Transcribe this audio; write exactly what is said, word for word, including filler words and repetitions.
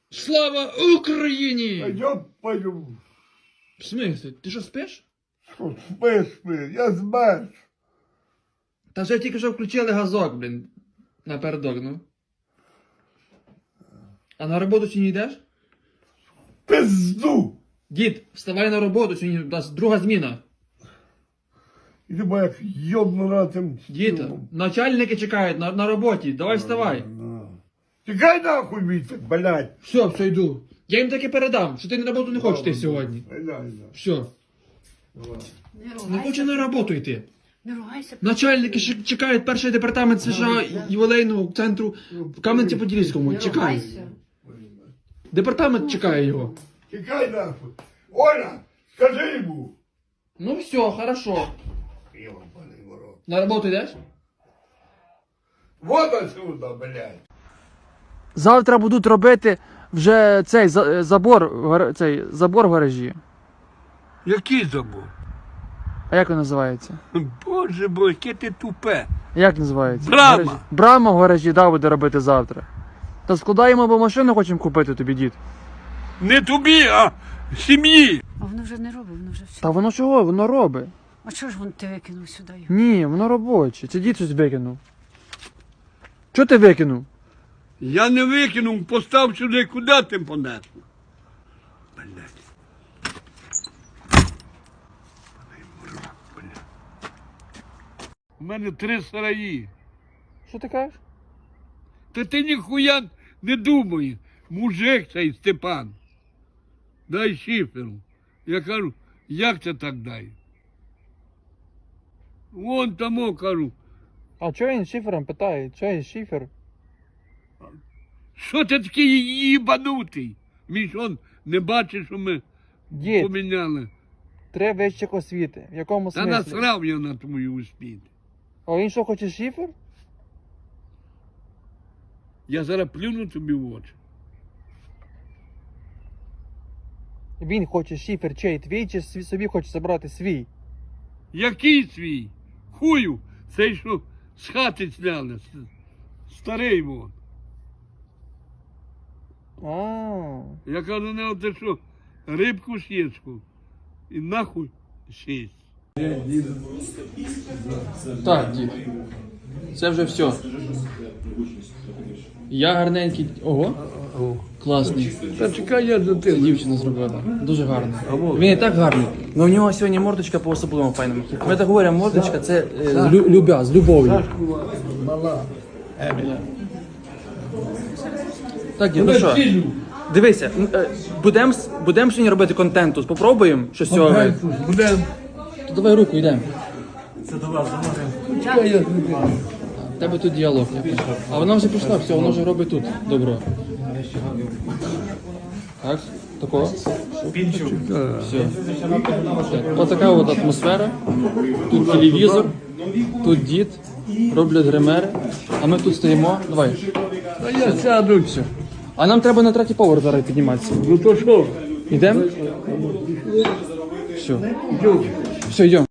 Слава Україні! Я пою. В смислі? Ти що, спиш? Що спи, спи, я змерз. Та вже тільки що включили газок, блін. Напередок, ну. А на роботу чи не йдеш? Пизду. Дід, вставай на роботу, чи не, у нас друга зміна. Іди бо як йобну на тим. Діта, начальники чекають на, на роботі, давай вставай. Тікай нахуй віце, блядь. Все, все, йду. Я їм таки передам, що ти на роботу не хочеш йти сьогодні. Все. Не хоче на роботу йти. Не ругайся. Начальники ще чекають перший департамент США ювілейного центру в Кам'янці-Подільському. Чекають. Департамент чекає його. Тікай нахуй. Оля, скажи йому. Ну все, хорошо. Йобаний ворот. На роботу йдеш? Вот отсюда, блядь. Завтра будуть робити вже цей за- забор, в гар- цей забор в гаражі. Який забор? А як він називається? Боже бо, яке ти тупе. Як називається? Брама. В гаражі. Брама в гаражі, да, буде робити завтра. Та складаємо, бо машину хочемо купити тобі, дід. Не тобі, а сім'ї. А воно вже не робить, воно вже все. Та воно чого? Воно робить. А чого ж він ти викинув сюди його? Ні, воно робоче. Це дід щось викинув. Чого ти викинув? Я не викинув, постав сюди, куди ти понесло? Блядь. У мене три сараї. Що ти кажеш? Та ти ніхуя не думай. Мужик цей Степан. Дай шиферу. Я кажу, як це так дай? Вон тому кажу, А чого він шифером питає? Чого він шифер? що ти такий їбанутий? Він що, не бачиш, що ми Дід, поміняли? три вищих освіти. В якому Та насрав я на твою успіх. А він що, хоче шифер? Я зараз плюну тобі в очі. Він хоче шифер чей твій, чи свій- собі хоче забрати свій? Який свій? Хую, цей що з хати сняли. с- Старий вон. А, Я кажу, не ти що, рибку сєчку. І нахуй сість. Так, дід. Це вже все. Я гарненький. Ого. Класний. Та чекай, я за Це дівчина зробила. Дуже гарний. Він і так гарний. Але в нього сьогодні мордочка по особливому файному. Ми так говоримо, мордочка це е, з лю- любя, з любов'ю. Так, дід, ну що? Дивися, будемо будем сьогодні робити контент тут, попробуємо щось з цього. Будемо. То давай руку, йдемо. Це до вас, У тебе тут діалог. А вона вже пішла, все, вона вже робить тут добро. Так, такого? Все. Так, ось така от атмосфера. Тут телевізор, тут дід, роблять гримери, а ми тут стоїмо. Давай. А я сяду. Все. А нам треба на третій поверх зараз підніматися. Ну то що? Йдемо? Все. Все, йдемо.